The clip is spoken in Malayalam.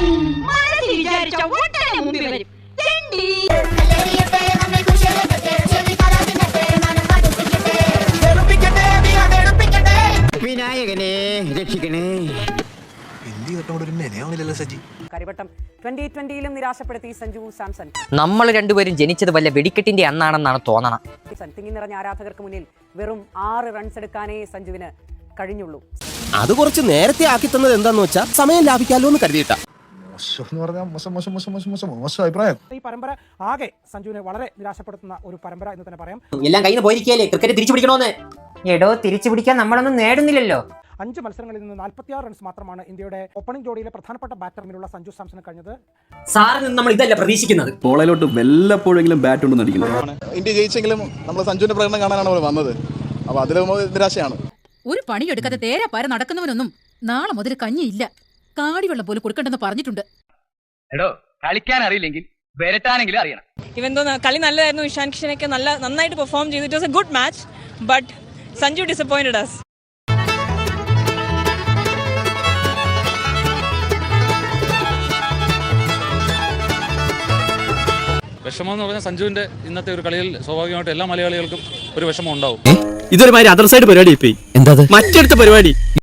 മനസ്സിൽ വിചാരിച്ച ഒട്ടനെ മുമ്പിൽ വരും. വിനായകനെ രക്ഷിക്കണേ. കരിവട്ടം 2020-ലും നിരാശപ്പെടുത്തി സഞ്ജു സാംസൺ. നമ്മൾ രണ്ടുപേരും ജനിച്ചത് വല്ല വെടിക്കെട്ടിന്റെ അന്നാണെന്നാണ് തോന്നണം. തിങ്ങി നിറഞ്ഞ ആരാധകർക്ക് മുന്നിൽ വെറും 6 റൺസ് എടുക്കാനേ സഞ്ജുവിന് കഴിഞ്ഞുള്ളൂ. അത് കുറച്ച് നേരത്തെ ആക്കി തന്നത് എന്താന്ന് വെച്ചാൽ സമയം ലാഭിക്കാലോ എന്ന് കരുതിയിട്ടാ. ഈ പരമ്പര ആകെ സഞ്ജുവിനെ വളരെ നിരാശപ്പെടുത്തുന്ന ഒരു പരമ്പര എന്ന് തന്നെ പറയാം. എല്ലാം കയ്യിൽ നിന്ന് പോയിരിക്കല്ലേ, ക്രിക്കറ്റ് തിരിച്ചു പിടിക്കണോന്ന്. എടോ, തിരിച്ചു പിടിക്കാൻ നമ്മളൊന്നും നേടുന്നില്ലല്ലോ. 5 മത്സരങ്ങളിൽ നിന്ന് 46 റൺസ് മാത്രമാണ് ഇന്ത്യയുടെ ഓപ്പണിംഗ് ജോഡിയിലെ പ്രധാനപ്പെട്ട ബാറ്റർമിനുള്ള സഞ്ജു സാംസണ് കഴിഞ്ഞത്. സാറിൽ നിന്ന് നമ്മൾ ഇതല്ല പ്രതീക്ഷിക്കുന്നത്. പോളയിലോട്ട് വല്ലപ്പോഴെങ്കിലും ബാറ്റ് ഉണ്ടെന്ന് അടിക്കണം. ഇന്ത്യ ജയിച്ചെങ്കിലും നമ്മൾ സഞ്ജുവിന്റെ പ്രകടനം കാണാനാണ് നമ്മൾ വന്നത്. അപ്പൊ അതിൽ നിരാശയാണ്. ഒരു പണിയെടുക്കാതെ തേരാ പാര നടക്കുന്നവനൊന്നും നാളെ മുതൽ കഞ്ഞിയില്ല. കാടിവെള്ളം പോലും കൊടുക്കണ്ടെന്ന് പറഞ്ഞിട്ടുണ്ട്. എടോ, കളിക്കാൻ അറിയില്ലെങ്കിൽ വരട്ടാനെങ്കിലും അറിയണം. ഇവൻ കളി നല്ലതായിരുന്നു. ഇഷാൻ കിഷനൊക്കെ നന്നായിട്ട് പെർഫോം ചെയ്തു. It was a good match, but Sanju disappointed us. വിഷമം എന്ന് പറഞ്ഞാൽ സഞ്ജുവിന്റെ ഇന്നത്തെ ഒരു കളിയിൽ സ്വാഭാവികമായിട്ട് എല്ലാ മലയാളികൾക്കും ഒരു വിഷമം ഉണ്ടാവും. ഇതൊരു മാതിരി അതർ സൈഡ് പരിപാടി. എന്താ മറ്റടുത്ത പരിപാടി?